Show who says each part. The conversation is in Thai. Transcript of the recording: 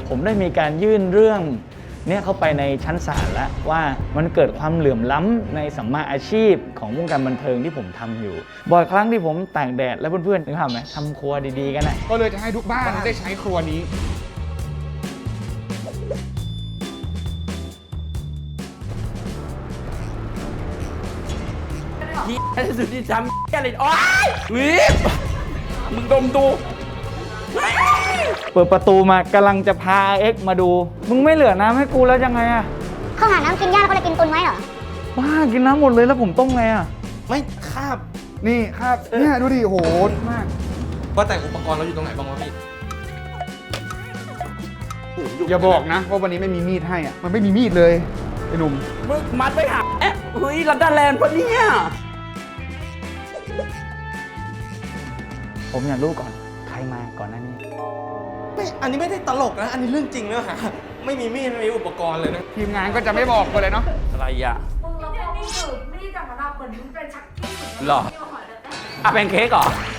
Speaker 1: ผมได้มีการยื่นเรื่องเนี่ยเข้าไปในชั้นศาลแล้วว่ามันเกิดความเหลื่อมล้ำในสัมมาอาชีพของวงการบันเทิงที่ผมทำอยู่ บ่อยครั้งที่ผมตากแดดแล้วเพื่อนๆนึกภาพไหมทำครัวดีๆกันนะ
Speaker 2: ก็เลยจะให้ทุกบ้านได้ใช้ครัวนี้
Speaker 3: สุดที่ทำอะไรโอ๊ยวิบมึงดมดู
Speaker 1: เปิดประตูมากำลังจะพาเอ็กมาดู มึงไม่เหลือน้ำให้กูแล้วยังไงอะ
Speaker 4: เขาหาน้ำกินยากเขาเลยกินตุนไว้เหรอ
Speaker 1: บ้ากินน้ำหมดเลยแล้วผมต้มไงอะ
Speaker 3: ไม่คาบ
Speaker 2: นี่ครับเนี่ยดูดิโหดมาก
Speaker 3: ว่าแต่อุปกรณ์เราอยู่ตรงไหนบ้างวะพี่
Speaker 2: อย่าบอกนะว่าวันนี้ไม่มีมีดให้อ่ะมันไม่มีมีดเลยไอ้หนุ่ม
Speaker 3: มึงมัดไปหาเฮ้ยลันดาแลนด์ปะเนี่ย
Speaker 1: ผมอยากรู้ก่อนใครมาก่อนหน้านี้
Speaker 3: ไม่อันนี้ไม่ได้ตลกนะ อันนี้เรื่องจริงนะฮะไม่มีมีดไม่มีอุปกรณ์เลยนะ
Speaker 2: ทีมงานก็จะไม่บอกกันเลยเนาะ
Speaker 3: อะไรอ่ะ
Speaker 5: มึงแล้วพอมีดจากมันเหมือนมึงเป็นชักกี้
Speaker 3: หรออ่ะเป็นเค้กเหรอ